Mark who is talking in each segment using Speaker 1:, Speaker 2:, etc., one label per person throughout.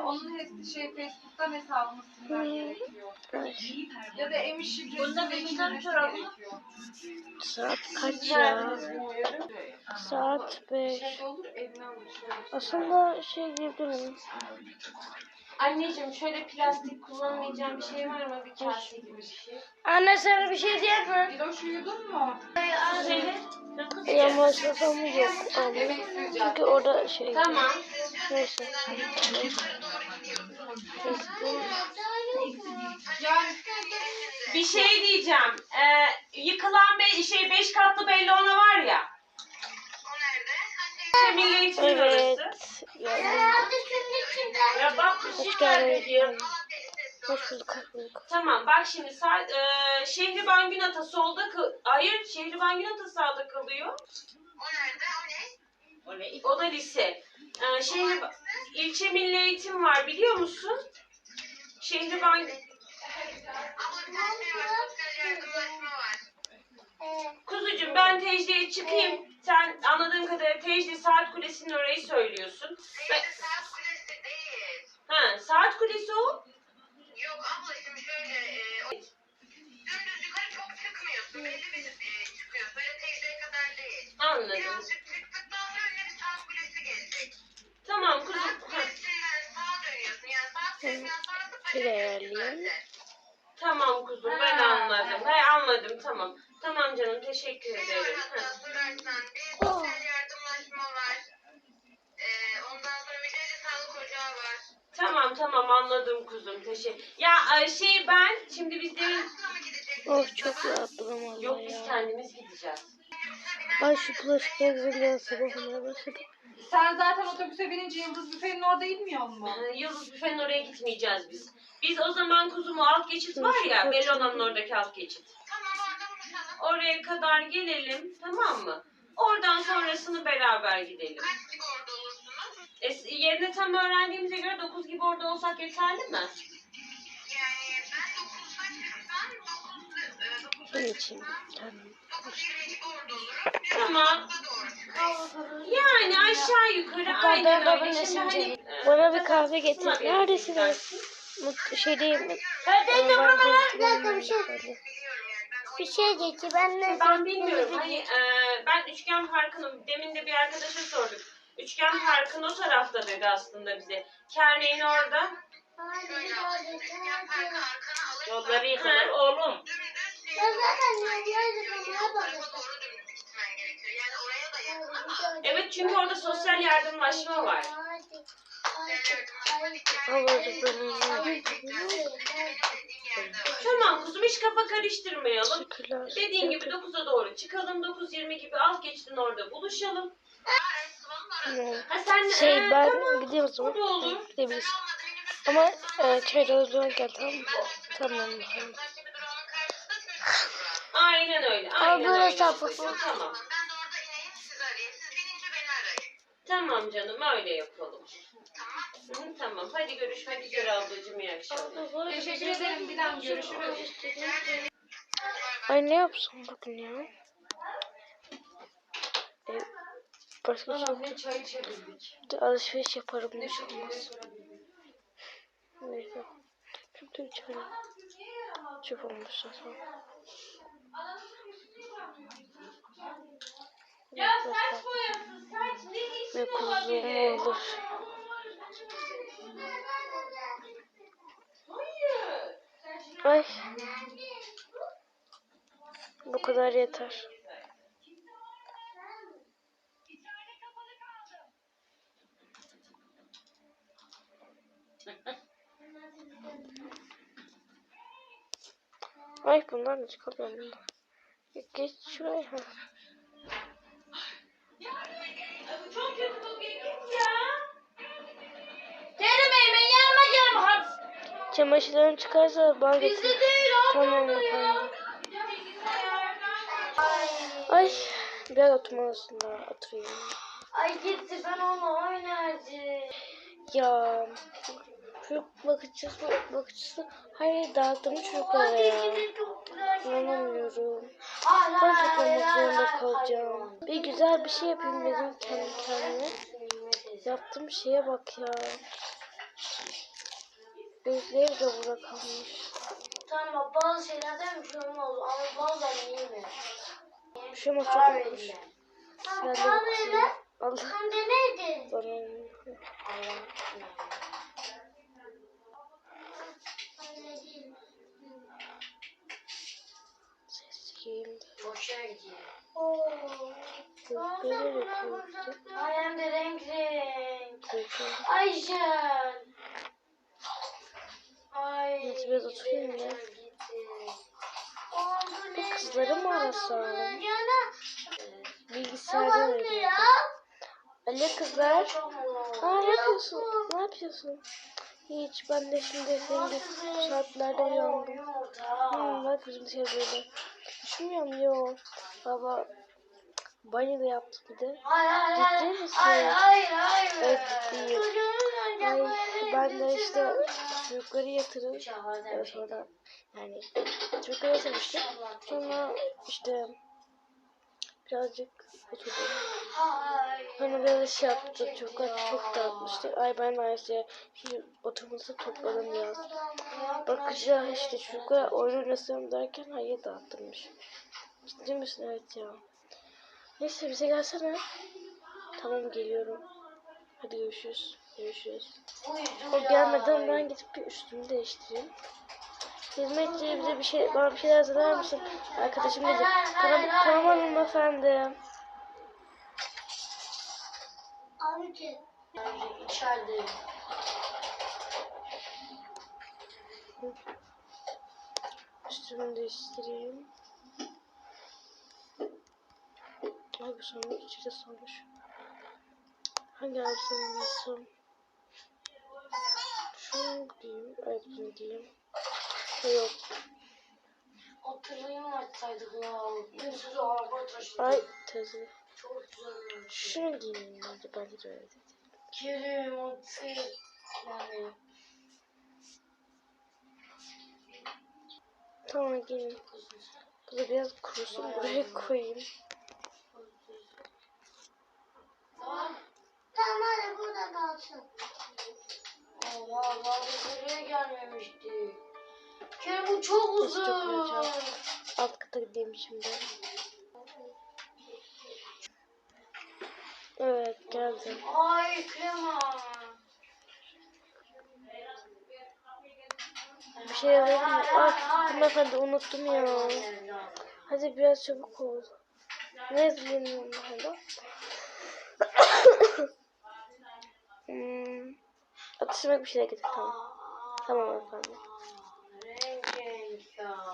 Speaker 1: onun Facebook'tan hesabını silmen gerekiyor. Ya da emin şifresini değiştirmesi gerekiyor.
Speaker 2: Saat kaç ya? Saat 5. Aslında gidebilirim.
Speaker 3: Anneciğim şöyle plastik kullanmayacağım bir şey var mı? Bir kase gibi bir şey.
Speaker 2: Anne sana bir şey diyeyim mi?
Speaker 1: Diloş uyudun mu?
Speaker 3: Söyle.
Speaker 2: Yamaçlasam yok abi. Çünkü orada
Speaker 3: Tamam.
Speaker 2: Neyse.
Speaker 1: Yani
Speaker 3: Bir şey diyeceğim. Yıkılan 5 katlı bellona var ya.
Speaker 4: O nerede?
Speaker 3: Milli Eğitim
Speaker 2: Evet.
Speaker 3: orası.
Speaker 2: Yani,
Speaker 3: Ya bak bir
Speaker 2: hoş
Speaker 3: şey nerede diyor.
Speaker 2: geldin. Hoş bulduk, hoş bulduk.
Speaker 3: Tamam bak şimdi Şehriban Günata solda hayır Şehriban Günata sağda kalıyor.
Speaker 4: O nerede? O ne?
Speaker 3: O da lise. İlçe Milli Eğitim var biliyor musun? Şehriban
Speaker 4: Ama bir tane şey var. Sosyal yardımlaşma var.
Speaker 3: Kuzucuğum ben Tecli'ye çıkayım. Sen anladığım kadarıyla Tecli Saat Kulesi'nin orayı söylüyorsun.
Speaker 4: Neyse saat kulesi değil.
Speaker 3: Ha, Saat Kulesi o.
Speaker 4: Yok abla şimdi şöyle. Dümdüz yukarı çok çıkmıyorsun. Belli bir çıkıyorsun. Böyle teyzeye kadar değil.
Speaker 3: Anladım.
Speaker 4: Birazcık çıktıktan sonra önüne bir saat kulesi gelecek.
Speaker 3: Tamam kuzum.
Speaker 4: Saat kulesinden sağa dönüyorsun. Yani saat kulesinden sonrası
Speaker 2: Şuraya
Speaker 4: zaten.
Speaker 3: Tamam kuzum ben anladım. Anladım tamam. Tamam canım teşekkür
Speaker 4: Şey var
Speaker 3: ederim.
Speaker 4: hatta sorarsan bir sosyal yardımlaşma var. Ondan sonra bir de sağlık ocağı var.
Speaker 3: Tamam anladım kuzum teşekkür. Ya ben şimdi biz demin
Speaker 4: Arasına mı gideceksin?
Speaker 2: Oh çok rahatladım valla
Speaker 3: yok biz
Speaker 2: ya.
Speaker 3: kendimiz gideceğiz.
Speaker 2: Ay şu bulaşıklar yüzünden sabahımda başladım.
Speaker 1: sen zaten otobüse binince Yıldız Büfe'nin orada inmiyor mu?
Speaker 3: Yıldız Büfe'nin oraya gitmeyeceğiz biz. Biz o zaman kuzumu alt geçit var ya Bellona'nın oradaki alt geçit.
Speaker 4: Tamam orada buluşalım.
Speaker 3: Oraya kadar gelelim tamam mı? Oradan sonrasını beraber gidelim.
Speaker 4: Kaç gibi orada olursunuz?
Speaker 3: Yerini tam öğrendiğimize göre 9 gibi orada olsak yeterli mi?
Speaker 4: Yani ben 9'da çıksam 9'da
Speaker 2: Bunun için. Tamam.
Speaker 4: 9:20 gibi orada olurum.
Speaker 3: Tamam.
Speaker 4: 9'da doğru çıkarım.
Speaker 3: Yani aşağı yukarı aynen öyle. Şimdi hani,
Speaker 2: Bana bir kahve getir.
Speaker 3: Tamam,
Speaker 2: Neredesiniz? Değil mi? Bir şey getir.
Speaker 3: Ben bilmiyorum. Hani ben Üçgen Parkı'nın demin de bir arkadaşa sorduk. Üçgen Park'ın o tarafta dedi aslında bize. Kerneğin orada.
Speaker 4: Şöyle alayım. Üçgen parkı arkana alır.
Speaker 3: Yolları yıkılır oğlum.
Speaker 4: Dümdüz o tarafa doğru dümdüz gitmen gerekiyor. Yani oraya da yakın ama
Speaker 3: Evet çünkü orada sosyal yardımlaşma var.
Speaker 4: sosyal yardımlaşma bir
Speaker 2: Ablacık
Speaker 3: Tamam kuzum hiç kafa karıştırmayalım.
Speaker 2: Teşekkürler.
Speaker 3: Dediğin gibi 9'a doğru çıkalım. 9:20 gibi alt geçitin orada buluşalım.
Speaker 2: Tamam.
Speaker 3: Ha sen
Speaker 2: Ben
Speaker 3: tamam.
Speaker 2: gideyim o zaman.
Speaker 3: O da olur.
Speaker 2: Gidebiliriz. Ama çaydan gel tamam mı? Tamam.
Speaker 3: Aynen öyle.
Speaker 2: Aa,
Speaker 3: Aynen
Speaker 2: böyle
Speaker 3: öyle.
Speaker 2: sapık.
Speaker 3: Tamam.
Speaker 4: Ben de orada ineyim sizi arayayım. Siz binince beni arayın.
Speaker 3: Tamam canım öyle yapalım. Tamam. Hadi görüşmek üzere ablacığım. İyi akşamlar.
Speaker 1: Teşekkür ederim Dilan. Görüşürüz.
Speaker 2: Ay ne yapsam bugün ya? Başka bir şey yok.
Speaker 3: Ne çay içebildik.
Speaker 2: Alışveriş yaparım hiç olmaz. Neyse. Çünkü çöp olmuş zaten.
Speaker 3: Ya saç boyası saç ne işin
Speaker 2: Ve kuzum
Speaker 3: olabilir?
Speaker 2: olur.
Speaker 3: Hayır.
Speaker 2: Ay. Bu kadar yeter. Ay bunlar ne çıkıyor bunlar? Geç şuraya.
Speaker 3: Çok kötü kokuyor git ya.
Speaker 2: Çamaşırlarım çıkarsa bana getir. Tamam efendim. Ay biraz oturmalısın da oturayım.
Speaker 5: Ay gitti ben onu oynardım.
Speaker 2: Ya çocuk bakıcısı hayır dağıttım çocuklara ya. İnanamıyorum. Ben toplamak zorunda kalacağım. Bir güzel bir şey yapayım dedim kendi kendime. Yaptığım şeye bak ya. Evde burada kalmış.
Speaker 5: Tamam bazı şeylerden bir şey olmaz ama bazen iyi mi?
Speaker 2: Bir şey olmaz, çok
Speaker 5: Karar
Speaker 2: olmuş.
Speaker 5: verin.
Speaker 2: Ben de bakayım. Allah.
Speaker 5: Sen de neydi?
Speaker 2: Bana sesiyim.
Speaker 5: Boşa gidiyor.
Speaker 2: Böyle koydu.
Speaker 5: Ay hem de renk renk.
Speaker 2: Koydu.
Speaker 5: Ayşen. Ay.
Speaker 2: Neyse, biraz oturayım ya.
Speaker 5: gitti.
Speaker 2: Bu kızları mı arasam? Bilgisayarda oynuyor. Alo kızlar. Aa, ne yapıyorsun? Ne yapıyorsun? Hiç, ben de şimdi senin de bu saatlerde uyandım. Bak bizim şey böyle. Düşünmüyorum yo. Baba banyo da yaptı bir de. Ciddi misin?
Speaker 5: Hayır.
Speaker 2: Evet, ciddiyim. Ay, ben de işte çocukları yatırıp sonra yani çocukları yatırmıştım. Sonra işte birazcık oturdum. Hani böyle şey yaptık, çocuklar çok dağıtmıştık. Ay ben de ayrıca oturması topladım biraz. Bakınca işte çocuklar oyun oynasam derken hayır dağıttırmış. Ciddi misin? Evet ya. Neyse bize gelsene. Tamam geliyorum. Hadi görüşürüz. Görüşürüz. O gelmeden ben gidip bir üstümü değiştireyim. Hizmetçi bize bana bir şeyler hazırlar mısın? Arkadaşım dedi. Tamam hanımefendi.
Speaker 5: Abici. İçeride.
Speaker 2: Üstümü değiştireyim. Ay bu sorun içeri sormuş. Hangi elbiseyi giysem? Şunu giyeyim. Ay bunu giyeyim. Yok.
Speaker 5: Oturayım açsaydık ya. Bir sürü araba taşıdı.
Speaker 2: Ay teyze.
Speaker 5: Çok güzel.
Speaker 2: Şunu giyeyim bence. Bence de öyle dedi.
Speaker 5: Kerim otur. Yani.
Speaker 2: Tamam giyeyim. Bu da biraz kurusun. Buraya koyayım.
Speaker 5: Tamam hadi burada kalsın. Allah Allah biz buraya gelmemiştik. Kerim bu çok
Speaker 2: Nasıl çok
Speaker 5: uzun.
Speaker 2: güzel. Alt kata gideyim şimdi. Evet geldim.
Speaker 5: Ay krema.
Speaker 2: Bir şey alayım mı? Hanımefendi unuttum ya. Hadi biraz çabuk ol. Ne yazayım hanımefendi? Atıştırmak bir şeyler getir tamam. Tamam efendim.
Speaker 5: Renk ya.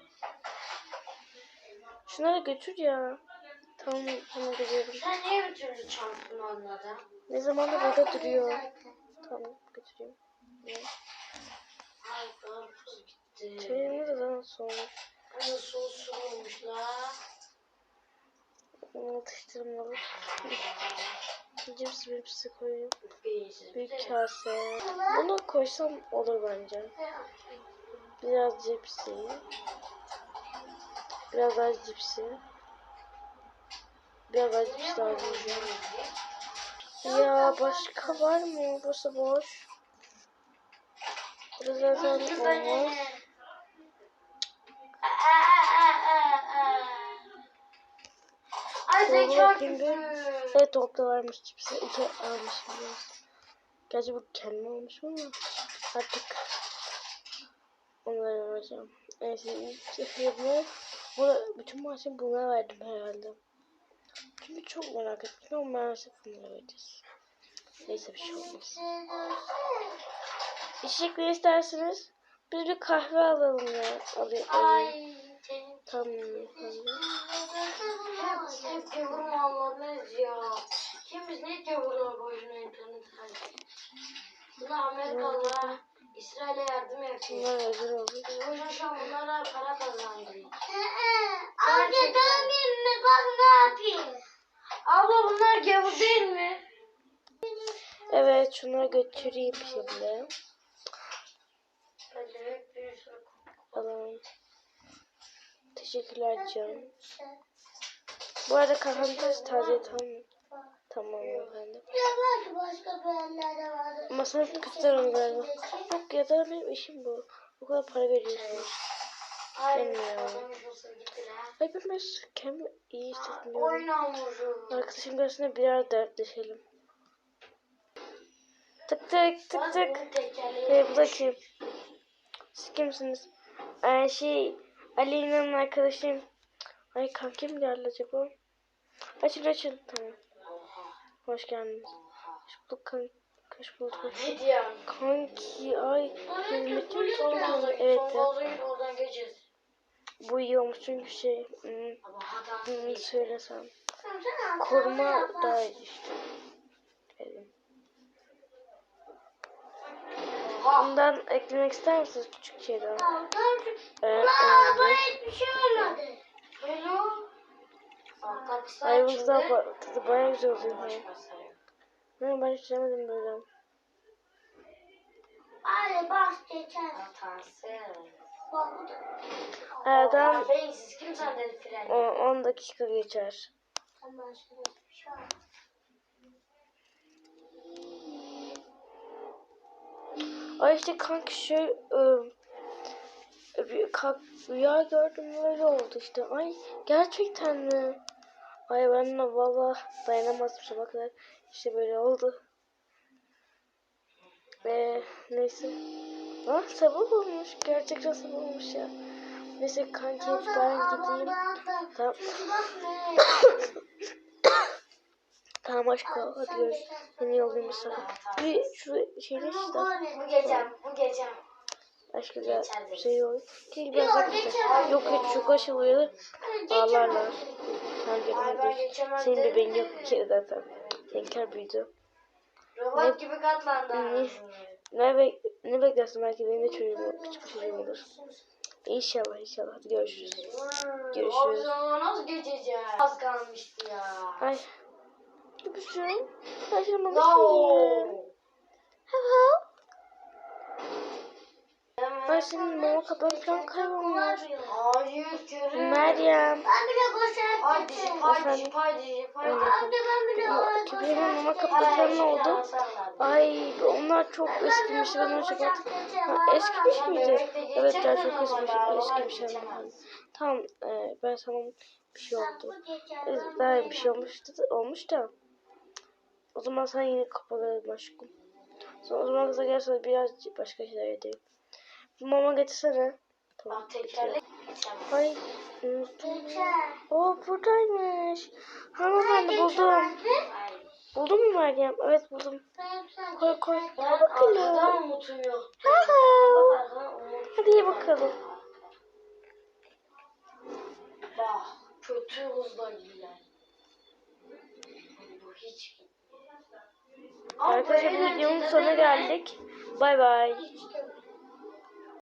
Speaker 2: Şunları götür ya. Tamam gidiyorum.
Speaker 5: Sen niye bir türlü çantanı anladın?
Speaker 2: Ne zaman da burada duruyor. Tamam götüreyim.
Speaker 5: Ay karpuz gitti.
Speaker 2: Çayımı da daha sonra.
Speaker 5: Nasıl sosu olmuş la?
Speaker 2: Atıştırmalık. Cips bipsi koyayım.
Speaker 5: Beyinsiz.
Speaker 2: Bir kase. Bunu koysam olur bence. Biraz cipsi. Biraz daha cipsi. Biraz daha cips lazım. Ya başka var mı? Burası boş. Burası zaten olmaz.
Speaker 5: Ay sen çok
Speaker 2: Bakayım bir.
Speaker 5: güzel.
Speaker 2: Evet dolapta varmış cipsi. İki almışım biraz. Gerçi bu kendime almışım ama artık onları vereceğim. Neyse ilk bunu bütün maaşımı buna verdim herhalde. Çünkü çok merak ettim ama maalesef bunları vereceğiz. Neyse bir şey olmaz. İçecek ne istersiniz? Biz bir kahve alalım ya. Alayım.
Speaker 5: Ay.
Speaker 2: Tamam.
Speaker 5: Hep gavurma anladınız ya. Kim biz ne gavurlar boyuna internet harcıyor. Buna Amerikalılar İsrail'e yardım yapıyor.
Speaker 2: Bunlar özür oldu.
Speaker 5: Biz boşuna şu an bunlara para kazandırıyor. Amca dönmeyeyim mi? Bak ne yapayım. Abla bunlar gavur değil mi?
Speaker 2: Evet şunları götüreyim şimdi.
Speaker 5: Evet bir sürü.
Speaker 2: Alalım. Teşekkürler canım. Bu arada kahvemi taze Tamam efendim.
Speaker 5: Ya belki başka bir yerlerde vardır.
Speaker 2: Ama sen kızlar galiba. Yok ya da benim işim bu. O kadar para veriyorsunuz.
Speaker 5: Hayır.
Speaker 2: Bilmiyorum.
Speaker 5: Kazanmış olsa gittiler.
Speaker 2: Ay ben kendimi iyi hissetmiyorum.
Speaker 5: Oyun hamuru.
Speaker 2: Arkadaşım karşısında birer dertleşelim. Tık tık tık tık. Bu da kim? Siz kimsiniz? Aleyna'nın arkadaşıyım. Ay kankim geldi acaba? Açın. Tamam. Hoş geldiniz. Hoş bulduk kanki. Hoş bulduk.
Speaker 5: Ne diyorsun?
Speaker 2: Kanki ay. Hizmetçi mi
Speaker 5: Son
Speaker 2: tuttun?
Speaker 5: gaza
Speaker 2: Evet.
Speaker 5: Son gaza git oradan geçeceğiz.
Speaker 2: Bu iyi olmuş çünkü
Speaker 5: Ama hata.
Speaker 2: söylesem. Koruma daha iyi işte. Dedim. Bundan eklemek ister misiniz küçük şeyden? Evet.
Speaker 5: Hiçbir şey olmadı. Hello.
Speaker 2: Ay bu tadı bayağı güzel oluyor. Ben hiç yemedim böyle.
Speaker 5: Hadi bas geçer.
Speaker 2: Aradan
Speaker 5: Beyinsiz kim sen dedi fren?
Speaker 2: 10 dakika geçer.
Speaker 5: Tamam şöyle bir şey var.
Speaker 2: Ay işte kanki rüya gördüm böyle oldu işte. Ay gerçekten mi? Ay ben de valla dayanamazdım sabah kadar. İşte böyle oldu. Neyse. Sabah olmuş. Gerçekten sabah olmuş ya. Neyse kanki ben gideyim. Tamam. Tamam aşkım hadi görüşürüz. Seni yollayayım bir sana. Şu şeyde işte.
Speaker 5: Bu geçem.
Speaker 2: Aşkım ya şey yok. Biraz daha yok çok aşılıyor. Ağlarlar. Sen gelin senin bebeğin yok bir kere zaten. Seninkiler büyüdü.
Speaker 5: Robot gibi katlandı.
Speaker 2: Ne beklersin belki benim de çocuğum küçük bir çocuğum olur. İnşallah. Hadi görüşürüz. Görüşürüz.
Speaker 5: Nasıl geçeceğiz? Az kalmıştı ya.
Speaker 2: Ay. Öpüşürüm. Aşkım bana Hello. Ay senin mama kapağın falan kaybolmuş.
Speaker 5: Hayır görün.
Speaker 2: Meryem.
Speaker 5: Ben bile koşar. Haydi.
Speaker 2: Kübre'nin mama kapakları ne oldu? Ay onlar çok eskimiş. Ben onu çok eskimiş miydi? Evet ya çok eskimiş. Tamam ben sana bir şey oldu. Ben bir şey olmuş da. O zaman sen yine kapatalım aşkım. Sonra o zaman kıza gelse biraz başka şeyler edeyim. Mama getirsene. Tamam. Ay unuttum. Buradaymış. Hanımefendi buldum. Buldun mu Meryem? Evet buldum. Koy.
Speaker 5: Arkadan unutuyor.
Speaker 2: Hadi ye bakalım.
Speaker 5: Bak kötü hızla gider. Bu hiç
Speaker 2: Arkadaşlar bu videonun sonuna geldik. Bay bay.